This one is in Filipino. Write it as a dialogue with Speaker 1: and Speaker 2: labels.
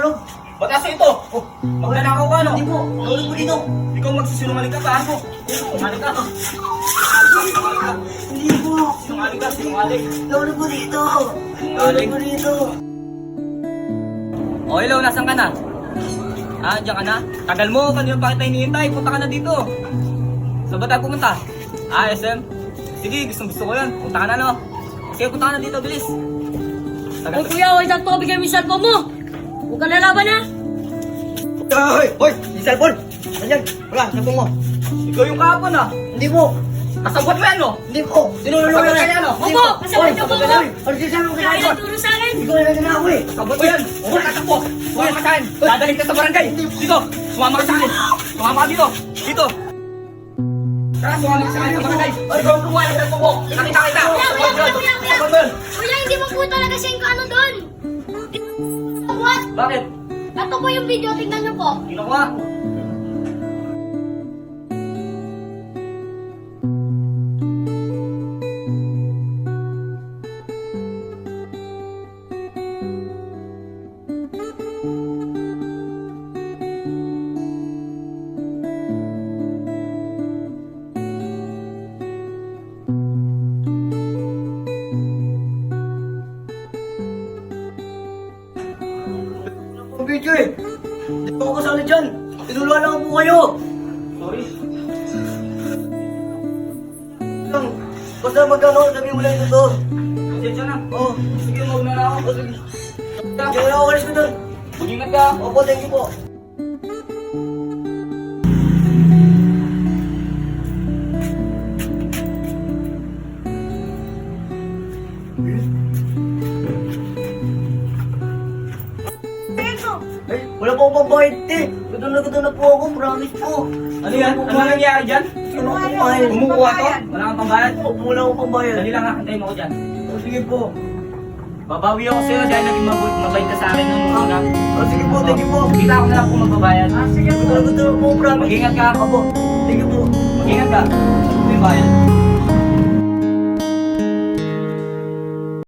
Speaker 1: natutulog.
Speaker 2: Bataso ito!
Speaker 1: Oh,
Speaker 2: Magnanakaw ka, no?
Speaker 1: Hindi po, tulog po dito.
Speaker 2: Ikaw magsisinungaling ka pa, ano? Sinungaling ka, no?
Speaker 1: Hindi po.
Speaker 2: Sinungaling ka, sinungaling.
Speaker 1: Tulog po dito. Tulog po dito.
Speaker 2: O, hello, nasan ka na? Ah, diyan ka na? Tagal mo, kanina pa kita hinihintay. Punta ka na dito. Saan ba tayo pumunta? Ah, SM? Sige, gusto ko yan. Punta ka na, no? Sige, punta ka na dito, bilis.
Speaker 3: Hoy kuya, huwag na ito, bigyan mo yung cellphone mo. Huwag ka lalaban ha.
Speaker 1: Hoy! Hoy! Yung cellphone! Nandiyan! Wala, cellphone mo.
Speaker 2: Ikaw yung kahapon, ah.
Speaker 1: Hindi po.
Speaker 2: Kasabot mo yan, no?
Speaker 1: Hindi po. Tinulungan
Speaker 2: Kasabot
Speaker 1: na
Speaker 2: ka yan, no?
Speaker 3: Opo, kasabot niyo po ako.
Speaker 1: Ano sinasabi mo kay
Speaker 3: Kaya
Speaker 1: cellphone?
Speaker 3: turo sa akin.
Speaker 1: Hindi ko nalagyan na ako eh.
Speaker 2: Kasabot mo yan. Huwag ka takbo. Sumama ka sa akin. Dadalhin ka sa barangay. Dito. Sumama ka sa akin. Sumama ka dito. Dito. Tara, sumama ka sa akin sa barangay. Ay, ikaw ang kumuha ng cellphone mo. Nakita kita.
Speaker 3: Kuya. Kuya, hindi mo po talaga siya yung ano doon. What?
Speaker 2: Bakit?
Speaker 3: Ito po yung video, tingnan niyo po.
Speaker 2: Kinuha.
Speaker 1: Ang video eh. Hindi po ako kasali dyan. Tinulungan lang po kayo.
Speaker 2: Sorry.
Speaker 1: Lang. Basta magkano, sabihin mo lang ito to.
Speaker 2: Pasensya na.
Speaker 1: Oh,
Speaker 2: Sige, mauna na ako.
Speaker 1: sige. Hindi na ako kalis ko doon.
Speaker 2: Mag-ingat ka.
Speaker 1: Opo, thank you po. Ay, wala po akong pambayad eh. Gutom na po ako, promise po.
Speaker 2: Ano yan? Ano nangyayari dyan?
Speaker 1: Wala akong pambayad.
Speaker 2: Kumukuha to? Wala kang pambayad?
Speaker 1: Wala akong pambayad.
Speaker 2: Dali lang ha, antayin mo ko dyan.
Speaker 1: Oh, sige po.
Speaker 2: Babawi ako sa'yo dahil naging mabait ka sa akin nung una.
Speaker 1: Oh, sige po, thank you po.
Speaker 2: Kita ako na lang kung magbabayad.
Speaker 1: Sige, gutom na po, promise.
Speaker 2: Mag-ingat ka.
Speaker 1: Opo, thank you po.
Speaker 2: Mag-ingat ka. Ito yung bayad.